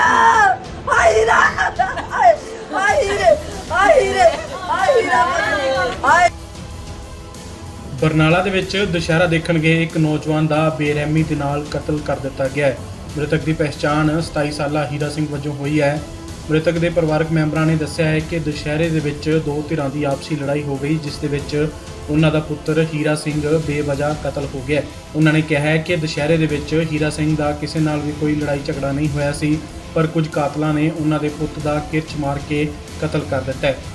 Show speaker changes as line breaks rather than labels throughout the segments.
ਬਰਨਾਲਾ ਦੇ ਵਿੱਚ ਦੁਸ਼ਹਿਰਾ ਦੇਖਣ ਗਏ ਇੱਕ ਨੌਜਵਾਨ ਦਾ ਬੇਰਹਿਮੀ ਦੇ ਨਾਲ ਕਤਲ ਕਰ ਦਿੱਤਾ ਗਿਆ ਹੈ। ਮ੍ਰਿਤਕ ਦੀ ਪਛਾਣ 27 ਸਾਲਾ ਹੀਰਾ ਸਿੰਘ ਵਜੋਂ ਹੋਈ ਹੈ। ਮ੍ਰਿਤਕ ਦੇ ਪਰਿਵਾਰਕ ਮੈਂਬਰਾਂ ਨੇ ਦੱਸਿਆ ਹੈ ਕਿ ਦੁਸ਼ਹਿਰੇ ਦੇ ਵਿੱਚ ਦੋ ਧਿਰਾਂ ਦੀ ਆਪਸੀ ਲੜਾਈ ਹੋ ਗਈ, ਜਿਸ ਦੇ ਵਿੱਚ ਉਹਨਾਂ ਦਾ ਪੁੱਤਰ ਹੀਰਾ ਸਿੰਘ ਬੇਵਜ੍ਹਾ ਕਤਲ ਹੋ ਗਿਆ। ਉਹਨਾਂ ਨੇ ਕਿਹਾ ਹੈ ਕਿ ਦੁਸ਼ਹਿਰੇ ਦੇ ਵਿੱਚ ਹੀਰਾ ਸਿੰਘ ਦਾ ਕਿਸੇ ਨਾਲ ਵੀ ਕੋਈ ਲੜਾਈ ਝਗੜਾ ਨਹੀਂ ਹੋਇਆ ਸੀ, ਪਰ ਕੁਝ ਕਾਤਲਾਂ ਨੇ ਉਹਨਾਂ ਦੇ ਪੁੱਤ ਦਾ ਕਿਰਚ ਮਾਰ ਕੇ ਕਤਲ ਕਰ ਦਿੱਤਾ ਹੈ।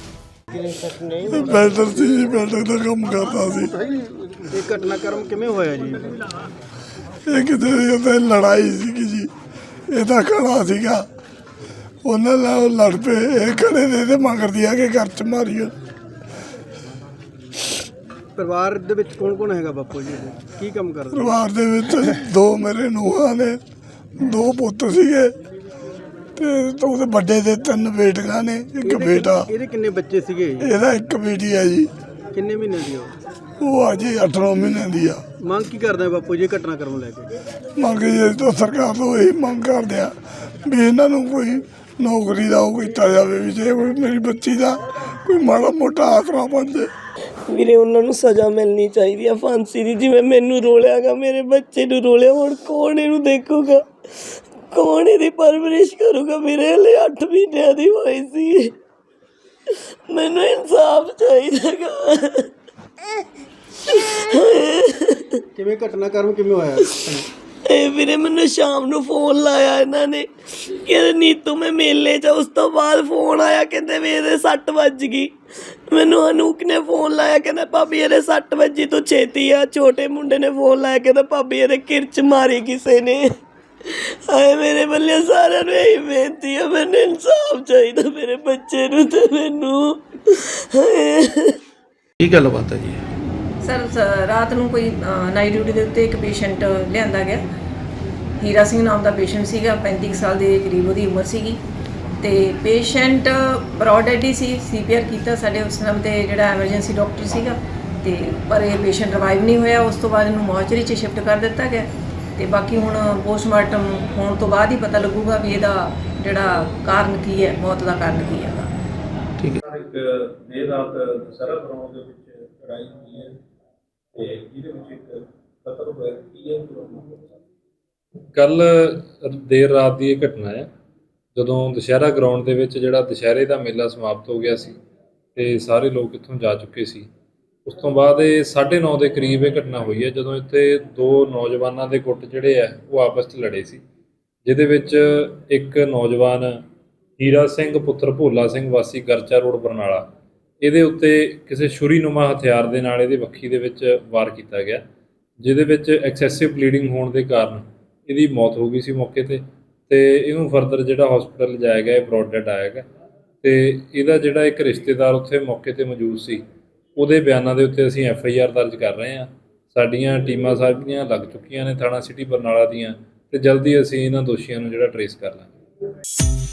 ਬੈਲਡਰ ਸੀ ਜੀ, ਬੈਲਡਰ ਦਾ ਕੰਮ ਕਰਦਾ ਸੀ।
ਇਹ ਘਟਨਾਕ੍ਰਮ ਕਿਵੇਂ ਹੋਇਆ ਜੀ?
ਇਹ ਕਿਤੇ ਲੜਾਈ ਸੀਗੀ ਜੀ, ਇਹਦਾ ਖੜਾ ਸੀਗਾ, ਉਹਨਾਂ ਨਾਲ ਲੜ ਪਏ। ਇਹ ਖੜੇ ਦੇ ਤੇ ਮੰਗਦੀ ਆ ਕਿ ਘਰ ਚ ਮਾਰੀਓ।
ਪਰਿਵਾਰ ਦੇ ਵਿੱਚ ਕੌਣ ਕੌਣ ਹੈਗਾ ਬਾਪੂ ਜੀ? ਕੀ ਕੰਮ ਕਰਦੇ?
ਪਰਿਵਾਰ ਦੇ ਵਿੱਚ ਦੋ ਮੇਰੇ ਨੂੰਹਾਂ ਨੇ, ਦੋ ਪੁੱਤ ਸੀਗੇ ਤੇ ਉਹਦੇ ਵੱਡੇ ਦੇ ਤਿੰਨ ਬੇਟੀਆਂ ਨੇ, ਇੱਕ ਬੇਟਾ।
ਇਹਦੇ ਕਿੰਨੇ ਬੱਚੇ ਸੀਗੇ?
ਇਹਦਾ ਇੱਕ ਬੇਟੀ ਆ ਜੀ।
ਕਿੰਨੇ ਮਹੀਨੇ ਦੀ
ਉਹ ਅਜੇ 8 ਮਹੀਨਿਆਂ ਦੀ ਆ।
ਮੰਗ ਕੀ ਕਰਦੇ ਬਾਪੂ ਜੀ ਘਟਨਾਕ੍ਰਮ ਲੈ ਕੇ?
ਮੰਗ ਜੀ ਤੋਂ ਸਰਕਾਰ ਤੋਂ ਇਹੀ ਮੰਗ ਕਰਦੇ ਆ ਵੀ ਇਹਨਾਂ ਨੂੰ ਕੋਈ ਨੌਕਰੀ ਦਾ ਉਹ ਕੀਤਾ ਜਾਵੇ, ਵੀ ਜੇ ਮੇਰੀ ਬੱਚੀ ਦਾ ਕੋਈ ਮਾੜਾ ਮੋਟਾ ਆਸਰਾ ਬਣ ਜੇ।
ਵੀਰੇ ਉਹਨਾਂ ਨੂੰ ਸਜ਼ਾ ਮਿਲਣੀ ਚਾਹੀਦੀ ਆ ਫਾਂਸੀ ਦੀ। ਜਿਵੇਂ ਮੈਨੂੰ ਰੋਲਿਆਗਾ, ਮੇਰੇ ਬੱਚੇ ਨੂੰ ਰੋਲਿਆ, ਹੁਣ ਕੌਣ ਇਹਨੂੰ ਦੇਖੂਗਾ, ਕੌਣ ਇਹਦੀ ਪਰਵਰਿਸ਼ ਕਰੂਗਾ? ਮੇਰੇ ਹਲੇ 8 ਮਹੀਨਿਆਂ ਦੀ ਹੋਈ ਸੀ। ਮੈਨੂੰ ਇਨਸਾਫ ਚਾਹੀਦਾਗਾ।
ਕਿਵੇਂ ਘਟਨਾਕ੍ਰਮ ਕਿਵੇਂ ਹੋਇਆ?
ਇਹ ਵੀਰੇ ਮੈਨੂੰ ਸ਼ਾਮ ਨੂੰ ਫੋਨ ਲਾਇਆ ਇਹਨਾਂ ਨੇ ਕਿ ਨੀਤੂ ਮੈਂ ਮੇਲੇ 'ਚ, ਉਸ ਤੋਂ ਬਾਅਦ ਫੋਨ ਆਇਆ ਕਹਿੰਦੇ ਵੀ ਇਹਦੇ 6 ਵੱਜ ਗਈ। ਮੈਨੂੰ ਅਨੂਕ ਨੇ ਫੋਨ ਲਾਇਆ, ਕਹਿੰਦਾ ਭਾਬੀ ਇਹਦੇ 6 ਵੱਜੀ, ਤੂੰ ਛੇਤੀ ਆ। ਛੋਟੇ ਮੁੰਡੇ ਨੇ ਫੋਨ ਲਾਇਆ, ਕਹਿੰਦਾ ਭਾਬੀ ਇਹਦੇ ਕਿਰਚ ਮਾਰੀ ਕਿਸੇ ਨੇ। ਆਏ ਮੇਰੇ ਬੱਲੇ ਸਾਰਿਆਂ ਨੂੰ ਇਹੀ ਬੇਨਤੀ ਹੈ, ਮੈਨੂੰ ਇਨਸਾਫ ਚਾਹੀਦਾ ਮੇਰੇ ਬੱਚੇ ਨੂੰ ਤੇ ਮੈਨੂੰ।
ਕੀ ਗੱਲਬਾਤ ਹੈ ਜੀ?
ਸਰ ਰਾਤ ਨੂੰ ਕੋਈ ਨਾਈਟ ਡਿਊਟੀ ਦੇ ਉੱਤੇ ਇੱਕ ਪੇਸ਼ੈਂਟ ਲਿਆਂਦਾ ਗਿਆ। ਹੀਰਾ ਸਿੰਘ ਨਾਮ ਦਾ ਪੇਸ਼ੈਂਟ ਸੀਗਾ, 35 ਸਾਲ ਦੇ ਕਰੀਬ ਉਹਦੀ ਉਮਰ ਸੀਗੀ ਤੇ ਪੇਸ਼ੈਂਟ ਬਰੋਡ ਡੈਡ ਹੀ ਸੀ। CPR ਕੀਤਾ ਸਾਡੇ ਉਸ ਟਾਈਮ ਤੇ ਜਿਹੜਾ ਐਮਰਜੈਂਸੀ ਡਾਕਟਰ ਸੀਗਾ, ਤੇ ਪਰ ਇਹ ਪੇਸ਼ੈਂਟ ਰਿਵਾਈਵ ਨਹੀਂ ਹੋਇਆ। ਉਸ ਤੋਂ ਬਾਅਦ ਇਹਨੂੰ ਮੋਰਚਰੀ 'ਚ ਸ਼ਿਫਟ ਕਰ ਦਿੱਤਾ ਗਿਆ ਤੇ ਬਾਕੀ ਹੁਣ ਪੋਸਟਮਾਰਟਮ ਹੋਣ ਤੋਂ ਬਾਅਦ ਹੀ ਪਤਾ ਲੱਗੂਗਾ ਵੀ ਇਹਦਾ ਜਿਹੜਾ ਕਾਰਨ ਕੀ ਹੈ, ਮੌਤ ਦਾ ਕਾਰਨ ਕੀ ਹੈ।
ਠੀਕ ਹੈ।
ਇੱਕ ਦੇਰ ਰਾਤ ਦੁਸਹਿਰਾ ਗਰਾਊਂਡ ਦੇ ਵਿੱਚ ਲੜਾਈ ਹੋਈ ਹੈ ਤੇ ਇਹਦੇ ਵਿੱਚ ਇੱਕ ਕਤਲ ਹੋਇਆ। ਕੀ ਹੈ
ਕੱਲ ਦੇਰ ਰਾਤ ਦੀ ਇਹ ਘਟਨਾ ਹੈ, ਜਦੋਂ ਦੁਸ਼ਹਿਰਾ ਗਰਾਊਂਡ ਦੇ ਵਿੱਚ ਜਿਹੜਾ ਦੁਸ਼ਹਿਰੇ ਦਾ ਮੇਲਾ ਸਮਾਪਤ ਹੋ ਗਿਆ ਸੀ ਤੇ ਸਾਰੇ ਲੋਕ ਇੱਥੋਂ ਜਾ ਚੁੱਕੇ ਸੀ। ਉਸ ਤੋਂ ਬਾਅਦ ਇਹ 9:30 ਦੇ ਕਰੀਬ ਇਹ ਘਟਨਾ ਹੋਈ ਹੈ, ਜਦੋਂ ਇੱਥੇ ਦੋ ਨੌਜਵਾਨਾਂ ਦੇ ਗੁੱਟ ਜਿਹੜੇ ਆ ਉਹ ਆਪਸ 'ਚ ਲੜੇ ਸੀ, ਜਿਹਦੇ ਵਿੱਚ ਇੱਕ ਨੌਜਵਾਨ ਹੀਰਾ ਸਿੰਘ ਪੁੱਤਰ ਭੋਲਾ ਸਿੰਘ ਵਾਸੀ ਗਰਚਾ ਰੋਡ ਬਰਨਾਲਾ, ਇਹਦੇ ਉੱਤੇ ਕਿਸੇ ਛੁਰੀਨੁਮਾ ਹਥਿਆਰ ਦੇ ਨਾਲ ਇਹਦੇ ਵੱਖੀ ਦੇ ਵਿੱਚ ਵਾਰ ਕੀਤਾ ਗਿਆ, ਜਿਹਦੇ ਵਿੱਚ ਐਕਸੈਸਿਵ ਬਲੀਡਿੰਗ ਹੋਣ ਦੇ ਕਾਰਨ ਇਹਦੀ ਮੌਤ ਹੋ ਗਈ ਸੀ ਮੌਕੇ 'ਤੇ। ਇਹਨੂੰ ਫਰਦਰ ਜਿਹੜਾ ਹਸਪੀਟਲ ਲਿਜਾਇਆ ਗਿਆ, ਇਹ ਬਰੋਡ ਡੈਡ ਆਇਆ ਗਾ। ਤੇ ਇਹਦਾ ਜਿਹੜਾ ਇੱਕ ਰਿਸ਼ਤੇਦਾਰ ਉੱਥੇ ਮੌਕੇ 'ਤੇ ਮੌਜੂਦ ਸੀ, ਉਹਦੇ ਬਿਆਨਾਂ ਦੇ ਉੱਤੇ ਅਸੀਂ FIR ਦਰਜ ਕਰ ਰਹੇ ਹਾਂ। ਸਾਡੀਆਂ ਟੀਮਾਂ ਸਾਰੀਆਂ ਲੱਗ ਚੁੱਕੀਆਂ ਨੇ ਥਾਣਾ ਸਿਟੀ ਬਰਨਾਲਾ ਦੀਆਂ, ਤੇ ਜਲਦੀ ਅਸੀਂ ਇਹਨਾਂ ਦੋਸ਼ੀਆਂ ਨੂੰ ਜਿਹੜਾ ਟਰੇਸ ਕਰ ਲਾਂਗੇ।